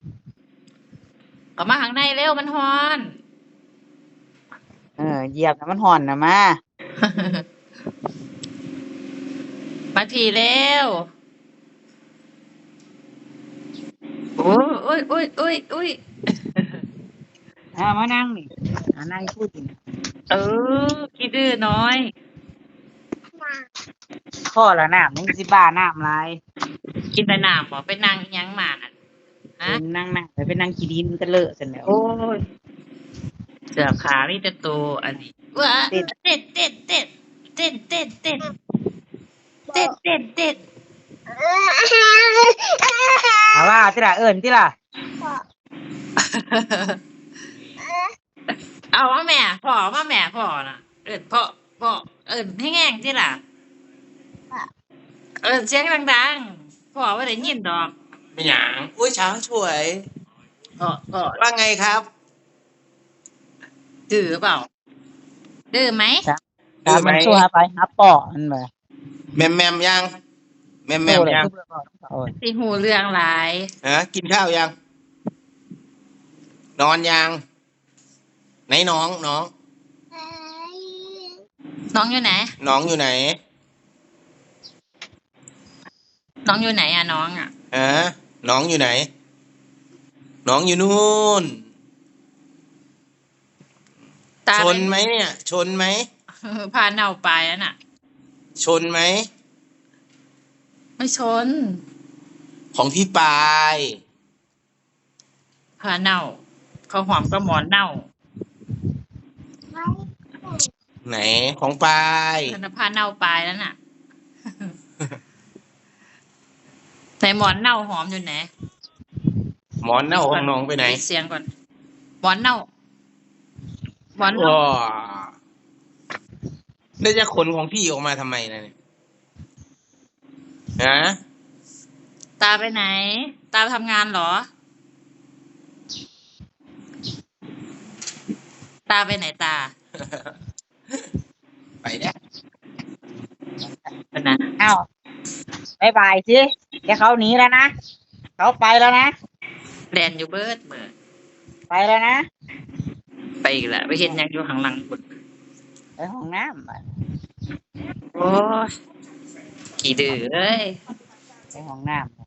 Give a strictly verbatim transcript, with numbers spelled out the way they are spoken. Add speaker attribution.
Speaker 1: เข้ามาข้างในเร็วมันร้อน
Speaker 2: เออเหยียบน้ำมันห่อนนะมา
Speaker 1: มาพี่เร็วโอ้ยโอ้ยโอ้ยโอ้ยโอ้ย
Speaker 2: เอามานั่งนี่อ่านั่งพูดนี่
Speaker 1: เออขี้ดื้อน้อย
Speaker 2: ข้อละน้ำยังสิบ้าน้ำลาย
Speaker 1: กินแต่น้ำบ่ไปนั่งอิหยังมาน่ะฮะ
Speaker 2: เป็นนั่งนั่งไปเป็นนั่งขี้ดินมันก็เลอะเสร็จแล้ว
Speaker 1: โอ้ยเสือขามีแต่โตอันนี้ว้าเต้นเต้นเต้นเต้นเต้นเต้นเต้นเต้นเต้นเต้น
Speaker 2: เอาว่าที่ละเอิญที่ละ
Speaker 1: เอามาแม่พ่อมาแม่พ่อน่ะเอิ้นพ่อพ่อเอิ้นให้แง่งที่ล่ะเอิ้นเสียงดังๆพ่อบ่ได้ยินดอก
Speaker 3: ไม่หยังอุ้ยช้างสวย
Speaker 1: พ่อพ่อ
Speaker 3: ว่าไงครับ
Speaker 1: ดื้อเปล่าดื้อไหม
Speaker 2: ตามมันสู้หาไปหาปอมันไป
Speaker 3: แมมแมมยังแมมแมมยัง
Speaker 1: สิหูเรื่องหลาย
Speaker 3: ฮะกินข้าวยัง นอนยังไหนน้องน้อง
Speaker 1: น้องอยู่ไหน
Speaker 3: น้องอยู่ไหน
Speaker 1: น้องอยู่ไหนอะน้องอะ
Speaker 3: ฮะน้องอยู่ไหน น้องอยู่นู่น
Speaker 1: ตา
Speaker 3: ช
Speaker 1: เป็น
Speaker 3: ไหมเนี่ย ชนไหม
Speaker 1: พาเน่าไปแล้วน่ะ
Speaker 3: ชนไหม
Speaker 1: ไม่ชน
Speaker 3: ของพี่ปาย
Speaker 1: พาเน่าเขาหอมก็หมอนเน่า
Speaker 3: ไหนของปาย
Speaker 1: ธนพาเน่าไปแล้วน่ะ แต่หมอนเน่าหอมอยู่ไหน
Speaker 3: หมอนเน่าของน้องไปไหน
Speaker 1: ปิดเสียงก่อนหมอนเน่าหมอน
Speaker 3: ว้า
Speaker 1: เน่า
Speaker 3: แล้วจะขนของพี่ออกมาทำไมนะเนี่ยฮะ
Speaker 1: ตาไปไหน ตาไปทำงานเหรอ ตาไปไหนตา
Speaker 3: ไปเนี่ย
Speaker 1: เป็นนะ
Speaker 2: อ้าวบายบายสิแกเขาหนีแล้วนะเขาไปแล้วนะ
Speaker 1: แลนอยู่เบิดเบิด
Speaker 2: ไปแล้วนะ
Speaker 1: ไปอีกแล้วไปเห็นหยังอยู่ข้างหลังบุด
Speaker 2: ไปห้องน้ำไป
Speaker 1: โอ้ยขี้ดื้อเอ้ย
Speaker 2: ไปห้องน้ำไป